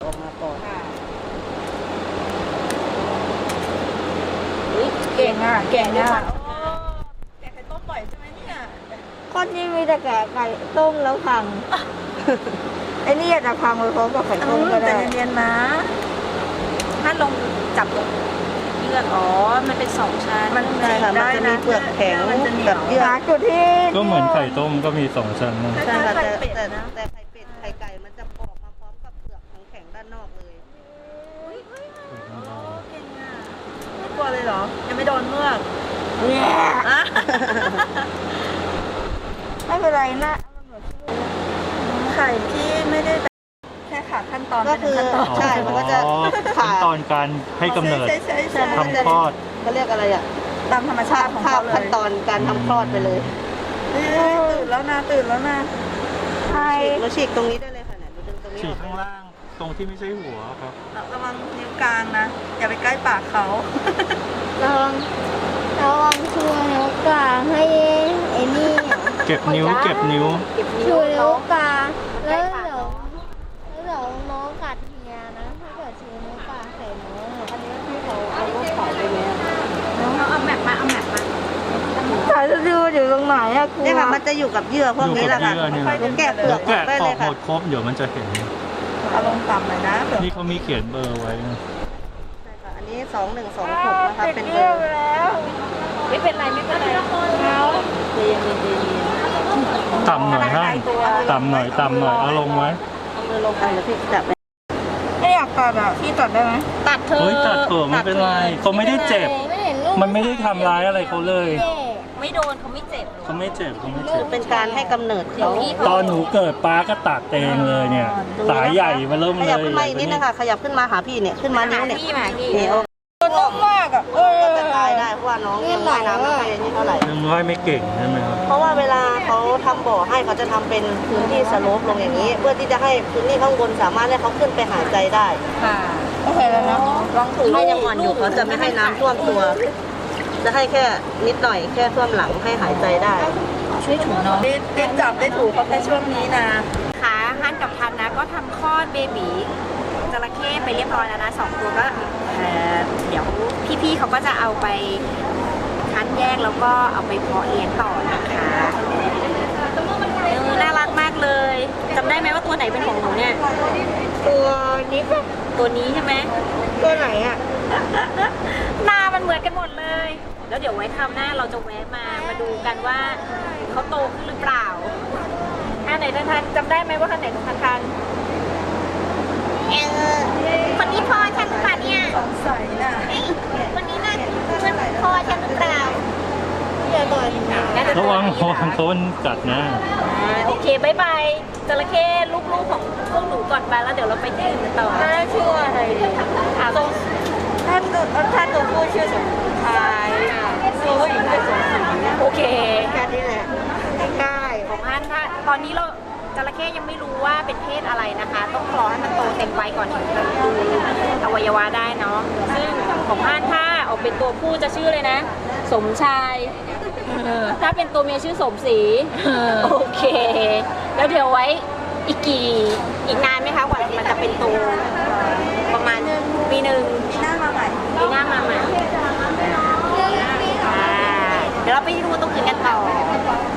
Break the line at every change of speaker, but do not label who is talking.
ออกมาก่อน
ค่ะ
เก่งอ่ะเก่งอ่ะ
แกะไข่ต้มบ่อยใช่ไหมเนี่ย
ก้อนนี้มีแต่แกะไก่ต้มแล้วพัง ไอ้นี่อาจจะพังไปพร้อมกับไข่ต้มก็
แต่
ได้
เนียนๆนะถ้าลงจับตรงเยื่ออ๋อมันเป็น2 ชั้น
มันใช่ค่ะมันจะมีเปลือกแข็งกับเยื่อจุดที่
ก็เหมือนไข่ต้มก็มี2 ชั้นนะ
ใช่ค่ะ
ไข่เป็ด
แต่
นะ
ไข่เป็ดไข่ไก่มันจะปอกมาพร้อมกับเปลือกแข็งๆด้านนอกเลย
เก่งอ่ะไม่กลัวเลยเหรอ ยังไม่โดนเมือก
เนี่ย
อ่ะ
ไม่เป็นไรนะ
ไข่ที่ไม่ได้แบบแค่ขาดขั้นตอน
ก็คือ
เป็นขั้นตอน
ใช่มันก็จะ
อ๋อขั้นตอนการให้กำเนิด
ใช่
ทำคลอด
เขาเรียกอะไรอ่ะ
ตามธรรมชาติของ
ข้า
เขา
ว
เลย
ขั้นตอนการทำคลอดไปเลย
ตื่นแล้วนะตื่นแล้วนะ
ใช่เราฉีกตรงนี้ได้เลยค่ะเนี่ยเราดึงตรงนี้
ฉี
อก อก
ข้างล่างตรงที่ไม่ใช่หัวครับ
ระวังนิ้วกลางนะ อย่าไปใกล้ปากเขา
ระวังชูนิ้วกลางให้ไอ้นี่
เก็บนิ้ว
เก็บนิ้ว
ชูนิ้ว
น้อง
กลางแล้วเดี๋ยวน้องกัดเฮียนะถ้าเกิดชูนิ้วกลางใส่น้องอะ
อันนี้ที่เขาเอารถไถไปเนี่ย
เอาแมปมาเอาแมปมา
สายสะดืออยู่ตรงไหนอะครูเนี่ยค่ะมันจะอยู่กับเยื่อพวกนี้แหละค่ะ
อยู่กับเยื่อเนี่ย
ลูกแกะเปลือกออ
แกะ
กได้
อ
เล
อย กห
ค่ะ
มดครบเดี๋ยวมันจะเห็น
เอาลงต่ำเลยนะเผื่อ
นี่เขามีเขียนเบอร์ไว้นะ
ใช่ค่ะอันนี้2126นะคะเป็นเบอร์
ไม่เป็นไรไม่เป็นไร
เย็นเย็นเย็นเย็น
ต่ำหน่อยให้ต่ำหน่อยเอาลงไว้
เอามือลงไปแล้วพี่จับไป
ไม่อยากตัดอ่ะพี่ตัดได้ไหมตัดเธอ
เฮ้ยตัดเถอะไม่เป็นไรเขาไม่ได้เจ็บ
ไม่เห็นลูก
มันไม่ได้ทำร้ายอะไรเขาเลย
เจ๊
ไม่โดนเขาไม่เจ็บหรอก
เขาไม่เจ็บเขาไม่เจ็บ
เป็นการให้กำเนิดเขา
ตอนหนูเกิดป้าก็ตัดเองเลยเนี่ย สายใหญ่มาเริ่ม
ข
เลย
ยับขึ้นมาอีกนิดนะคะขยับขึ้นมาหาพี่เนี่ยขึ้นมานิ้วเนี่ย
พี่มาพี่
นี่โอ้
นุ่มมากอ่ะ
ก็จะตายได้เพราะว่าน้องยังว่ายน้ำไม่ค่อยนี่เท่าไหร่
ยังว่ายไม่เก่งใช่ไหมครับ
เพราะว่าเวลาเขาทำบ่อให้เขาจะทำเป็นพื้นที่สโลปลงอย่างนี้ เพื่อที่จะให้พื้นที่ข้างบนสามารถให้เขาขึ้นไปหายใจได้
ค่ะโอเคแล้วนะลองถู
ถ้ายังอ่อนอยู่เขาจะไม่ให้น้ำท่วมตัว จะให้แค่นิดหน่อยแค่ท่วมหลังให้หายใจได้
ช่วยถูน้องได้จับได้ถูเขาแค่ช่วงนี้นะค่ะฮันกับทันนะก็ทำคลอดเบบีจระเข้ไปเรียบร้อยแล้วนะ2 ตัวก็เดี๋ยวพี่ๆเขาก็จะเอาไปคั้นแยกแล้วก็เอาไปเพาะเลี้ยงต่อนะคะน่ารักมากเลยจำได้ไหมว่าตัวไหนเป็นของหนูเนี่ย
ตัวนี้ก็
ตัวนี้ใช่ไหม
ตัวไหนอ่ะ
หน้ามันเหมือนกันหมดเลย แล้วเดี๋ยวไว้คราวหน้าเราจะแวะมาดูกันว่าเขาโตขึ้นหรือเปล่าอันไหนทันจำได้ไหมว่าอันไหนทันคนนี้พ่อฉันหรือเปล่าเนี่ยสงสัยน่ะคนนี้น่ามันพ่อฉันหรือเปล่า
ระวังโคนกัดนะ
โอเคบายบายจระเข้ลูกๆของพวกหนูก่อนไปแล้วเดี๋ยวเราไปที่อื่นต่อน่าชื่ออะไรถ้าตัวผู้ชื่อสมชายตัวผู้หญิงชื่อสมศรีโอเค
แค่นี้แหละง่าย
ของฮันถ้าตอนนี้เราจระเข้ยังไม่รู้ว่าเป็นเพศอะไรนะคะ ต้องรอให้มันโตเต็มวัยก่อนถึงจะดูอวัยวะได้เนาะซึ่งของฮันถ้าออกเป็นตัวผู้จะชื่อเลยนะ สมชายถ้าเป็นตัวเมียชื่อสมศรีโอเค แล้วเดี๋ยวไว้อีกนานไหมคะกว่ามันจะเป็นตัวประมาณปีหนึ่งปีหน้ามาใหม่เดี๋ยวเราไปดูตรงอื่นกันต่อ